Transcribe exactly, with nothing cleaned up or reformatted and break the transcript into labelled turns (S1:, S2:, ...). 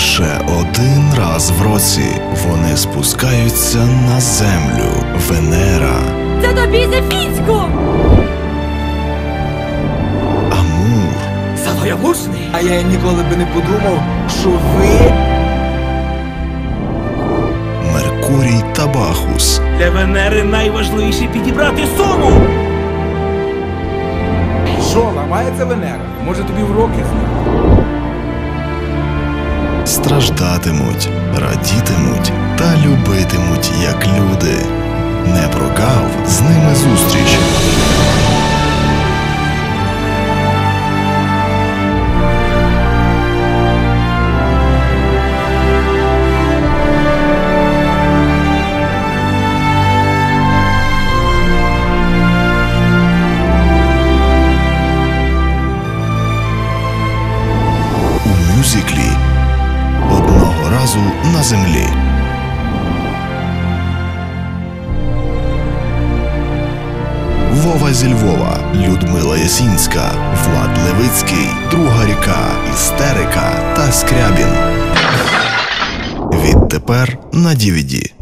S1: Лише один раз в році вони спускаються на землю. Венера.
S2: Це тобі за Фіцьку!
S1: Амур.
S3: Савоявушний? А я ніколи би не подумав, що ви...
S1: Меркурій та Бахус.
S4: Для Венери найважливіше підібрати суму!
S3: Що, ламається Венера? Може тобі в роки знати?
S1: Страждатимуть, радітимуть та любитимуть як люди. Не прогав з ними зустріч. У мюзиклі «Одного разу на землі». Вова зі Львова, Людмила Ясінська, Влад Левицький, Друга ріка, Істерика та Скрябін. Відтепер на ді ві ді.